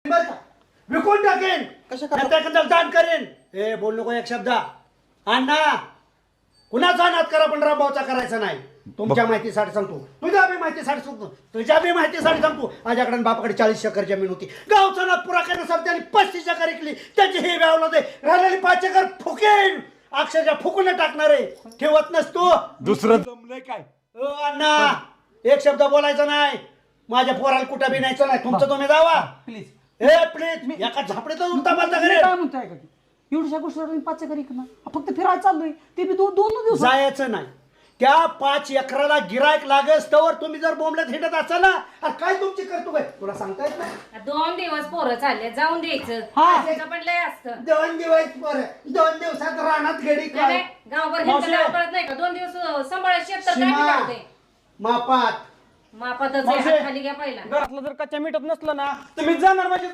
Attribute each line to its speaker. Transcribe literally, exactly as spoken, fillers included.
Speaker 1: बरं का? विकून टाकेन
Speaker 2: कशा
Speaker 1: एखाद्याला दान करेन. ए बोल नको एक शब्द. अण्णा कुणाचा नाद करा पण रामभाऊचा करायचा नाही. तुमच्या माहितीसाठी सांगतो, तुझ्या बी माहितीसाठी सांगतो, तुझ्या बी माहितीसाठी सांगतो. माझ्याकडे बापाकडे चाळीस एकर जमीन होती. गावचा नाद पुरा करण्यासाठी त्यांनी पस्तीस एकर इकली. त्याची हे व्यावला दे राहिलेली पाच एकर फुकेन, अक्षरशः फुकून टाकणार आहे. ठेवत नसतो.
Speaker 3: दुसरं जमलंय काय?
Speaker 1: ओ अण्णा एक शब्द बोलायचा नाही. माझ्या पोराला कुठं बी न्यायचं नाही. तुमचं तुम्ही जावा
Speaker 2: प्लीज.
Speaker 1: A please. एका झापडीत उलटा पालटा
Speaker 2: मी
Speaker 1: करेल.
Speaker 2: काय म्हणतोय का एवढ्या गोष्टीवर तुम्ही पाच एकर इकणार, फक्त फिरायला चाललोय ते बी दोन दोन दिवस.
Speaker 1: जायचं नाही. त्या पाच एकराला गिरायक लागस तवर तुम्ही जर बोंबल्यात हिंडत असाल ना, अरे काय तुमची करतो काय तुला सांगता येत नाही.
Speaker 4: दोन दिवस पोरं चालले जाऊन द्यायचं.
Speaker 2: हा.
Speaker 4: त्याचं पण लय असतं.
Speaker 1: दोन दिवस बरं, दोन दिवसात रानात गेडी
Speaker 4: नाही,
Speaker 1: काय
Speaker 4: नाही, गावभर
Speaker 1: मावशी.
Speaker 4: हिंडतं कळत नाही का? दोन दिवस सांभाळायची तर काय
Speaker 1: सीमा,
Speaker 4: काढते
Speaker 1: मापात
Speaker 4: मापातच
Speaker 1: मावशी.
Speaker 4: आहे, हात खाली घ्या पहिला.
Speaker 2: घरातलं जर कच्च्या मिठत नसलं ना तुम्ही जाणार माझी